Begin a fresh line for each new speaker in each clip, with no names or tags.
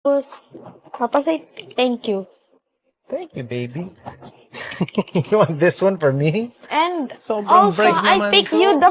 Papa say thank you.
Thank you, baby. You want this one for me?
And
Sobrang
also,
bright
I
naman
pick
to.
you the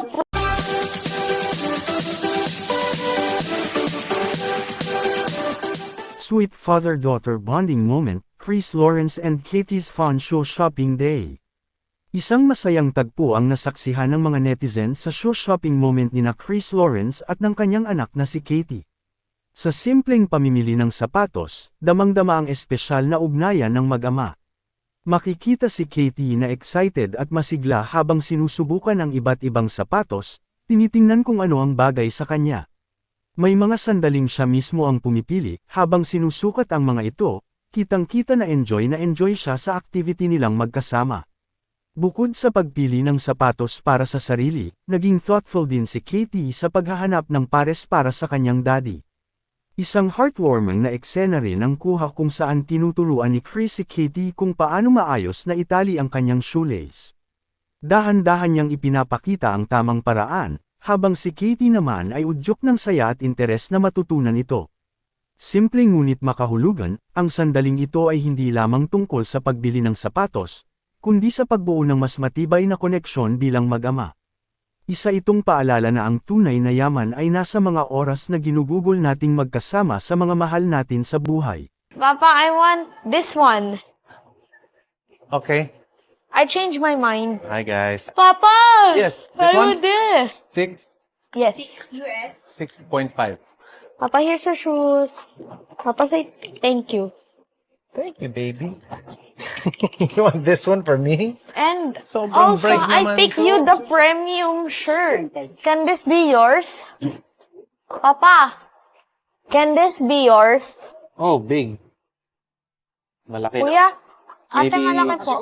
Sweet father-daughter bonding moment, Chris Lawrence and Katie's fun show shopping day. Isang masayang tagpo ang nasaksihan ng mga netizen sa show shopping moment ni na Chris Lawrence at ng kanyang anak na si Katie. Sa simpleng pamimili ng sapatos, damang-dama ang espesyal na ugnayan ng mag-ama. Makikita si Katie na excited at masigla habang sinusubukan ang iba't ibang sapatos, tinitingnan kung ano ang bagay sa kanya. May mga sandaling siya mismo ang pumipili, habang sinusukat ang mga ito, kitang-kita na enjoy siya sa activity nilang magkasama. Bukod sa pagpili ng sapatos para sa sarili, naging thoughtful din si Katie sa paghahanap ng pares para sa kanyang daddy. Isang heartwarming na eksena rin ang kuha kung saan tinuturuan ni Chris si Katie kung paano maayos na itali ang kanyang shoelace. Dahan-dahan niyang ipinapakita ang tamang paraan, habang si Katie naman ay udyok ng saya at interes na matutunan ito. Simpleng ngunit makahulugan, ang sandaling ito ay hindi lamang tungkol sa pagbili ng sapatos, kundi sa pagbuo ng mas matibay na koneksyon bilang mag-ama. Isa itong paalala na ang tunay na yaman ay nasa mga oras na ginugugol nating magkasama sa mga mahal natin sa buhay.
Papa, I want this one.
Okay.
I changed my mind.
Hi, guys.
Papa!
Yes, this
I
one?
want this.
6,
Yes.
6.5.
Papa, here's your shoes. Papa say thank you.
Thank you, baby. You want this one for me?
And
Sobrang
also,
bright
I
naman
pick
to.
you the premium shirt. Can this be yours? Papa, can this be yours?
Oh, big. Malaki.
Kuya, ate
Maybe-
malaki po.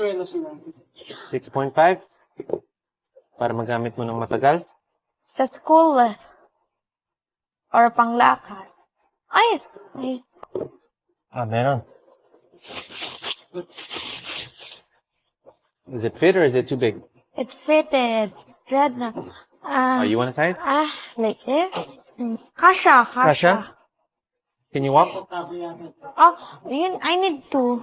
6.5? Para magamit mo ng matagal?
Sa school eh. Or panglakad. Ay!
Meron. Is it fit or is it too big?
It fitted. Red na.
You want to try it?
Like this? Kasha.
Kasha? Can you walk?
Oh, yun, I need to.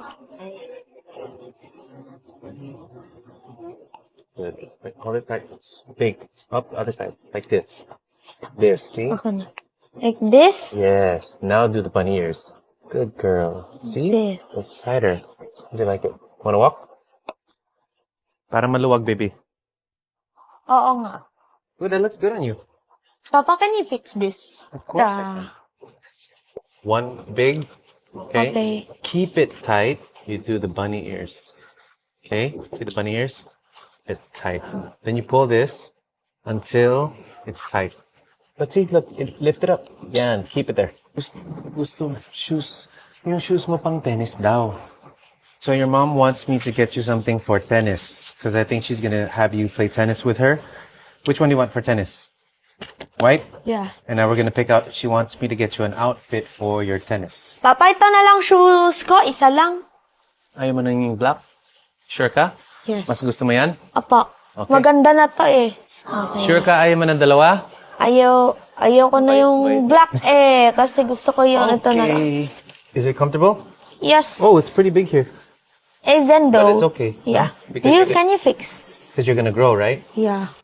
Good. Wait, hold it tight. It's big. Up the other side. Like this. This, see?
Okay na. Like this?
Yes. Now do the bunny ears. Good girl. See?
This.
It's tighter. How do you like it? Wanna walk? Para maluwag, baby.
Oo nga.
Good, that looks good on you.
Papa, can you fix this?
Of course I One big. Okay?
Okay.
Keep it tight. You do the bunny ears. Okay? See the bunny ears? It's tight. Then you pull this until it's tight. But see, look, lift it up. Yan, keep it there. Gusto shoes. Yung shoes mo pang tennis daw. So your mom wants me to get you something for tennis. Because I think she's gonna have you play tennis with her. Which one do you want for tennis? White?
Yeah.
And now we're gonna pick out, she wants me to get you an outfit for your tennis.
Papa, ito na lang shoes ko. Isa lang.
Ayaw mo na yung black? Sure ka?
Yes.
Mas gusto mo yan?
Apa.
Okay.
Maganda na to eh. Okay.
Sure ka ayaw mo ng dalawa?
Ayaw ko na yung
Wait.
black eh. Kasi gusto ko yung ito na lang.
Is it comfortable?
Yes.
Oh, it's pretty big here.
Even though.
But it's okay.
Yeah.
Because
Can you fix?
Because you're gonna grow, right?
Yeah.